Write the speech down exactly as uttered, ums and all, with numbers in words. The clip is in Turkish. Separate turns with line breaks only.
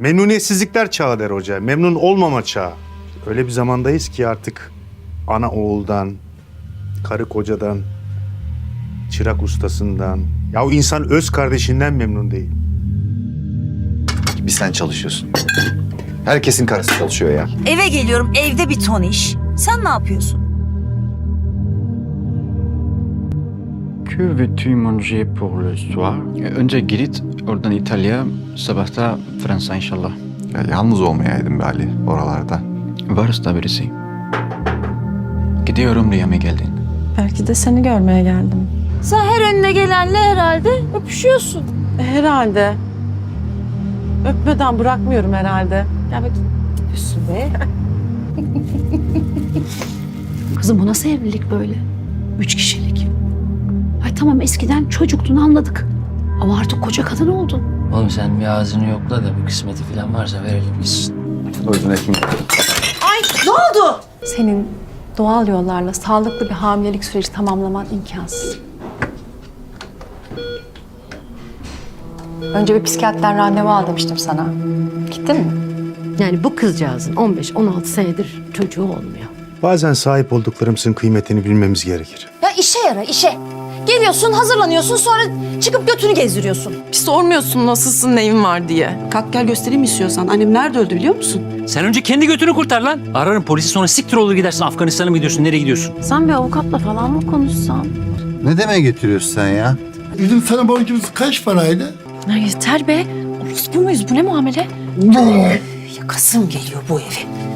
Memnuniyetsizlikler çağı der hoca. Memnun olmama çağı. Öyle bir zamandayız ki artık ana oğuldan, karı kocadan, çırak ustasından... Ya o insan öz kardeşinden memnun değil.
Bir sen çalışıyorsun. Herkesin karısı çalışıyor ya.
Eve geliyorum, evde bir ton iş. Sen ne yapıyorsun?
Que veux-tu manger pour le soir? Önce Girit, oradan İtalya, sabahta Fransa inşallah.
Ya yalnız olmayaydım be Ali oralarda.
Varız da birisi. Gidiyorum diye mi geldin?
Belki de seni görmeye geldim.
Sen her önüne gelenle herhalde öpüşüyorsun.
E, herhalde. Öpmeden bırakmıyorum herhalde.
Ya bak, öpüyorsun be.
Kızım bu nasıl evlilik böyle? Üç kişilik. Ay tamam eskiden çocuktun anladık. Ama artık koca kadın oldun.
Oğlum sen bir ağzını yokla da bir kısmeti falan varsa verelim gitsin.
O yüzden ekmek.
Senin doğal yollarla sağlıklı bir hamilelik süreci tamamlaman imkansız. Önce bir psikiyatrdan randevu al demiştim sana. Gittin mi?
Yani bu kızcağızın on beş on altı senedir çocuğu olmuyor.
Bazen sahip olduklarımızın kıymetini bilmemiz gerekir.
Ya işe yara işe. Geliyorsun, hazırlanıyorsun, sonra çıkıp götünü gezdiriyorsun.
Bir sormuyorsun nasılsın, neyin var diye.
Kalk gel göstereyim istiyorsan. Annem nerede öldü biliyor musun?
Sen önce kendi götünü kurtar lan. Ararım polisi, sonra siktir olur gidersin. Afganistan'a mı gidiyorsun, nereye gidiyorsun?
Sen bir avukatla falan mı konuşsan?
Ne demeye getiriyorsun sen ya?
Bizim sana borcumuz kaç paraydı?
Ya yeter be. Orospu muyuz? Bu ne muamele? Yakasım geliyor bu evi.